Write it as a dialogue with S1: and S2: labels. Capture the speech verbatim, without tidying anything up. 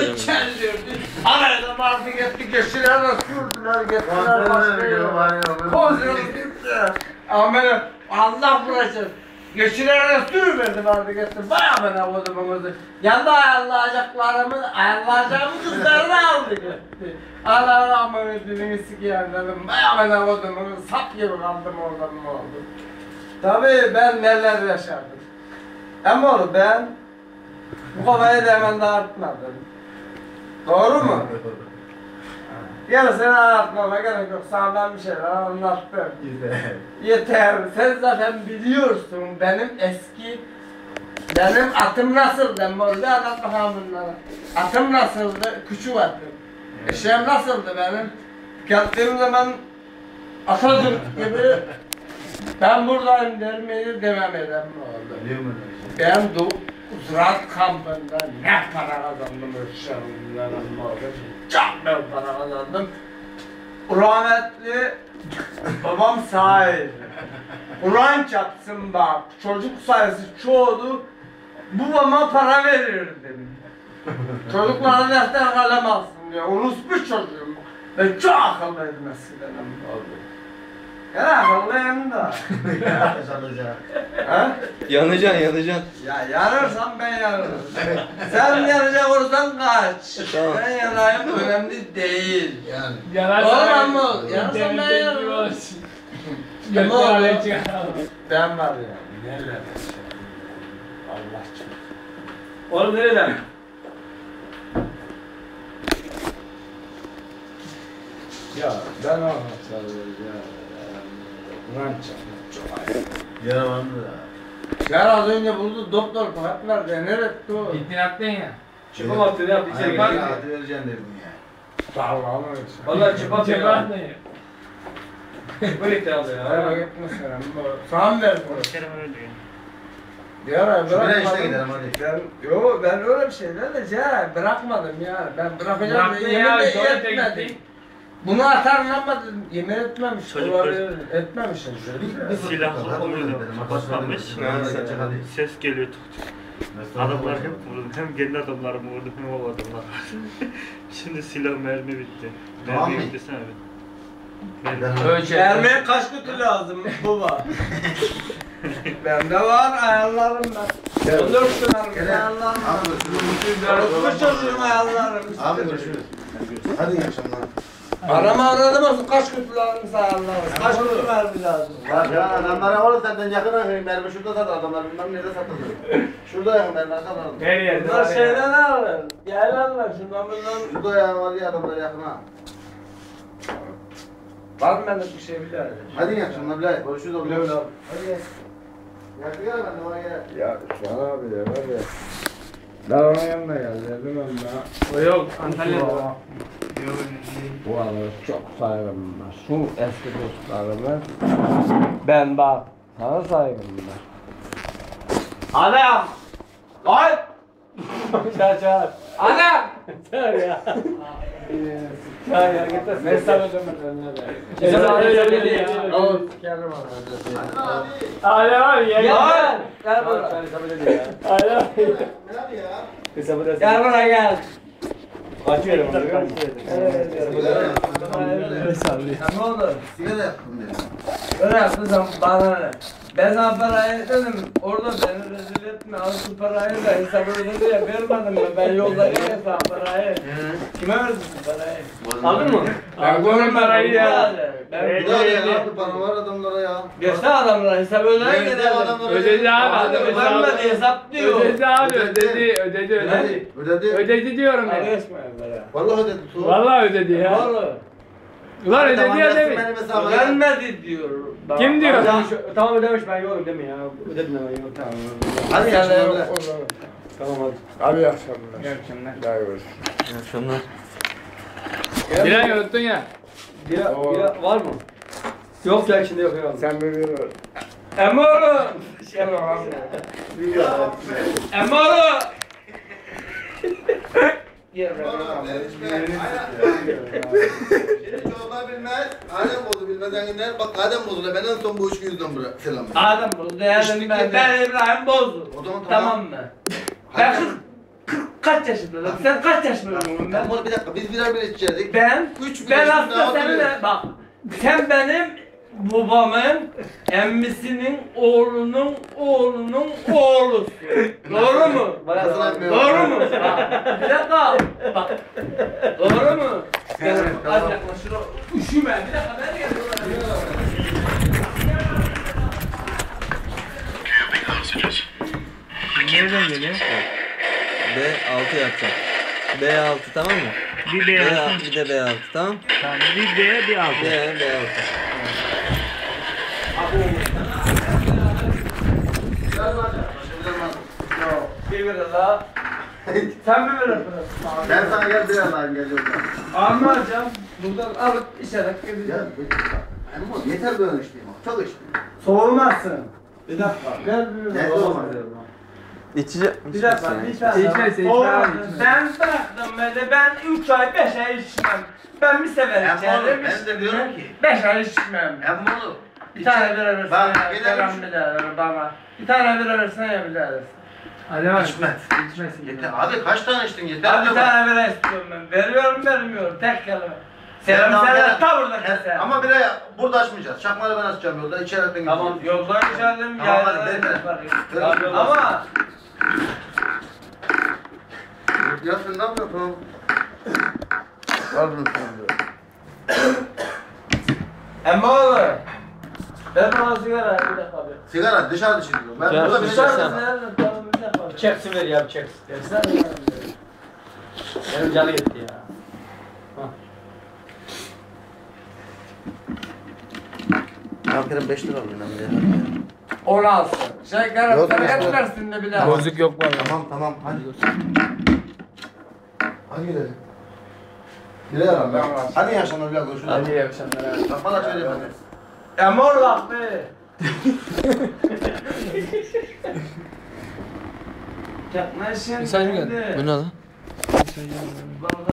S1: içeri diyordu. Arada vardı gitti geçtiler de sürdüler gettiler başlıyor. Bozuyordu gitti. Ama Allah bırakır. Geçilerine sürüverdi vardı gitti. Bayağı ben avladım onu. Yanında ayarlayacaklarımı, ayarlayacağımı kızlarını aldı gitti. Allah rahmet dilini sikiyen dedim. Bayağı ben avladım onu. Sap gibi kaldım oradan mı oldu. Tabii ben neler yaşadım. Ama oğlum ben bu kafayı da hemen dağıtmadım. Doğru mu? Yarısını anlatmama gerek yok. Sana ben bir şeyler anlattım. Yeter. Sen zaten biliyorsun benim eski benim atım nasıldı? Morda anlat bakalım bunlara. Atım nasıldı? Küçük atım. Eşeğim nasıldı benim? Geldiğim zaman Atatürk gibi ben buradayım dermeyi demem eden mi oldu? Ben de Ziraat kampında ne para kazandım ölçülerimden oldu. Çok ben para kazandım. Rahmetli babam sahip. Kur'an çatsın bak, çocuk sayısı çoğdu. Babama para verirdim. Çocuklara defter kalem alsın diye. Unutmuş çocuğum. Ben çok akıllıydım eskiden oldu. Ya akıllıyım da.
S2: Yanacaksın, yanacaksın.
S1: Ya yanırsam ben yanırım. Sen yanacak olursan kaç. Tamam. Ben yanayım önemli değil. Yani. Yanarsan mı? Yanırsam ben yanırım. Ne oldu? Ben var ya. Neler Allah için.
S3: Oğlum nereden?
S1: Ya ben anlatacağım ya. Ulan çok ayıp.
S4: Yaramandı da.
S1: Ya az önce buldu doktor Fuat nerede? Nerede o?
S3: Gittin attın ya. Çıpam attı ne yaptı içeri
S4: Hayır,
S3: gitti.
S4: hadi vereceksin dedim ya.
S1: Allah'ım öyle.
S3: Valla çıpam attı ya. Çıpam gitti abi ya.
S1: Hayır gitmesin. Sana mı verdim? Ya ben
S4: Şuraya işte
S1: bırakmadım.
S4: gidelim hadi.
S1: Ben, yo ben öyle bir şeyler de ya bırakmadım ya. Ben bırakacağım
S3: Bıraktın
S1: diye
S3: ya,
S1: yemin de
S3: tuvalete
S1: etmedim.
S3: gittin.
S1: Bunu atarım ama yemin etmemiş.
S5: Çocuklar-
S1: Olabilir, etmemişim.
S4: Bir
S5: Silah
S4: fırça, hadi
S5: oluyordu,
S4: gidelim,
S5: kapatmamış.
S4: hadi gidelim, hadi.
S5: Ses geliyor tuk tuk. Adamlar hep vurdu. Hem kendi adamlarımı vurdu hem o adamlar. Şimdi silah mermi bitti.
S4: Tamam
S5: Mermi
S4: mı?
S5: bitti sen evet.
S3: Ölçek.
S1: Vermeye kaç kutu lazım baba? Bende var ayarlarım ben. on dört kutu ayarlarım var. Unutmuş çocuğum ayarlarım.
S4: Abi görüşürüz. Hadi iyi akşamlar.
S1: Arama aradım olsun kaç kutu lazım ayarlarım. Kaç kutu mermi lazım?
S4: Bak ya adamlara oğlum senden yakın akıyım. Mermi şurada satır adamlar bilmem nerede satılır. Şurada yakın mermi arkadan.
S3: Her yerde.
S1: Bunlar şeyden alır. Yaylanlar şundan bundan.
S4: Şurada ya var ya adamlar yakın ha.
S1: Var mı bende bir şey bir daha?
S4: Hadi iyi akşamlar Bilal. Görüşürüz oğlum.
S1: Güle güle.
S4: Hadi gel. Yakın gel ben de oraya gel.
S1: Ya şu an abi de var ya. Ben ona yanına geldim ben.
S3: O yok Antalya'da.
S1: Bu arada çok saygım var. Şu eski dostlarıma ben bak sana saygım var. Adam! Lan! Çağır çağır. Adam! Çağır ya. Çağır ya git de mesaj ödemeden ne de.
S3: Mesaj ödemeden ya.
S1: Oğlum sikerim onu.
S3: Hala var ya.
S1: Gel! Gel buraya.
S3: Hala.
S4: Hadi ya.
S1: Gel buraya gel.
S3: Açıyorum onu.
S1: Ne oldu?
S4: Sigara yaktım dedim.
S1: Öyle yaptın sen bana ne? Ben sana parayı dedim, orada beni rezil etme, al şu parayı da hesabı ödedi ya, vermedim ben, ben yollayayım ya sana parayı. Kime verdin şu parayı?
S3: Aldın mı?
S1: Ben görmedim
S3: parayı ya.
S1: Ben
S4: Bir daha ya abi bana var adamlara ya.
S1: göster adamlara, hesabı ödeyin
S4: Nerede
S1: gidelim.
S4: adamlara?
S3: Ödedi abi.
S4: Hadi
S3: Ödedi
S4: ödedi.
S1: Ödenmedi, hesap diyor.
S3: Ödedi abi ödedi ödedi ödedi.
S4: Ödedi.
S3: Ödedi diyorum ya.
S1: Paylaşmayın böyle.
S4: Vallahi ödedi. Tuğ.
S3: Vallahi ödedi ya.
S1: Doğru.
S3: Ulan ödedi ya
S4: yazsın
S3: demiş.
S4: benim hesabıma.
S1: Ödenmedi diyor.
S3: Kim diyor?
S6: Tamam ödemiş ben yokum değil mi ya? Ödedim ben yok tamam.
S4: Hadi
S1: Sen de
S4: yaşamlar
S1: yok
S4: Bilal.
S1: o zaman.
S6: Tamam hadi.
S1: Abi iyi akşamlar.
S3: İyi akşamlar.
S1: Daha görüşürüz.
S2: İyi akşamlar.
S3: Bilen unuttun ya.
S6: Bira,
S1: Oo.
S6: bira var mı? Yok ya içinde yok herhalde.
S1: Sen bir bir Emre oğlum. Şey var. Emre oğlum.
S4: Seni çorba bilmez, Adem bozu bilmeden gider. Bak Adem bozula ben en son bu üç yüzden bırak selam.
S1: Adem bozdu, yani ben, ben İbrahim bozdu.
S4: O zaman
S1: Tamam mı? Ben kırk, kırk kaç yaşındasın? Sen kaç yaşındasın ben?
S4: Ben bunu bir dakika biz birer birer içecektik.
S1: Ben,
S4: Üç
S1: ben
S4: yaşında
S1: aslında seninle,
S4: hatırlıyorum.
S1: bak, sen benim babamın emmisinin oğlunun oğlunun oğlusun. Doğru mu?
S4: Nasıl anlıyorum?
S1: Doğru mu? Bak, bir dakika, bak. Doğru mu? Gel, az yaklaşır o. Üşüme, bir dakika, ben geliyorum.
S5: Nereden geliyor?
S2: B altı yapacağım. B altı tamam mı?
S5: Bir
S2: B
S5: B
S2: altı
S5: altı.
S2: bir de B altı tamam?
S5: Tamam, bir B, bir altı.
S2: B B altı.
S1: Yok, bir biraz daha. Sen mi verirsin?
S4: Ben sana gel birer daha geliyorum.
S1: Almayacağım. Buradan alıp içerek
S4: Ya
S1: gideceğim.
S4: Emmo yeter böyle içtiğim. Çok içtim.
S1: Soğumazsın. Bir dakika. Gel bir
S4: Ne
S1: dakika.
S4: olmaz?
S2: İçecek
S1: Bir dakika. Bir tane.
S6: İçmezse içmez.
S1: Oğlum, sen bıraktın beni. Ben üç ay, beş ay içmem. Ben bir sefer
S4: Emmo
S1: içerim.
S4: ben de diyorum ki.
S1: Beş ay içmem.
S4: Emmo.
S1: Bir tane bira versene
S4: Bak,
S1: ya.
S4: gene
S1: Selam
S4: üç-
S1: bir daha ver bana. Bir tane bira versene ya bir daha versin.
S6: Hadi bak.
S4: İçmez.
S6: İçmesin.
S4: Yeter. Abi kaç tane içtin yeter.
S1: Abi bir
S4: diyorum.
S1: tane bira istiyorum ben. Veriyorum vermiyorum. Tek kelime.
S4: Sen
S1: Selam
S4: daha
S1: selam
S4: gene-
S1: ta burada
S4: He,
S1: keser.
S4: Ama bile burada açmayacağız. Çakmaları ben açacağım yolda. İçerek ben
S1: Tamam
S4: gideceğim.
S1: yoldan içerdim.
S4: Tamam, hadi,
S1: yayladan
S4: ver, ver.
S1: yaparız.
S4: Ver,
S1: Tamam,
S4: ver.
S1: ama
S4: Ya sen ne yapıyorsun? Al bunu sen de.
S1: Emma oğlum. Ver bana sigara bir dakika bir.
S4: Sigara dışarıda içiliyor. Ben
S2: Ya,
S4: burada bir
S2: dışarı-
S4: şey
S1: Dışarıda nerede? Tamam bir dakika. bir.
S6: Çeksin ver ya, çeksin.
S1: Versene bana.
S6: Benim canı gitti ya.
S4: Aferin beş lira alayım ben de.
S1: Onu alsın. Şey garip
S4: Yok,
S1: sana
S4: yok,
S1: et
S4: yok.
S1: versin de bir daha.
S6: Bozuk yok bana.
S4: Tamam tamam hadi. Hadi gidelim. Gidelim abi.
S1: Tamam.
S4: Hadi yaşanır biraz konuşalım.
S6: Hadi iyi akşamlar.
S4: Bak bana söyle bana.
S1: Emma oğlum bak be. Yaklaşın.
S6: Mesaj mı geldi?
S1: şimdi.
S2: Bu ne lan?
S1: Bana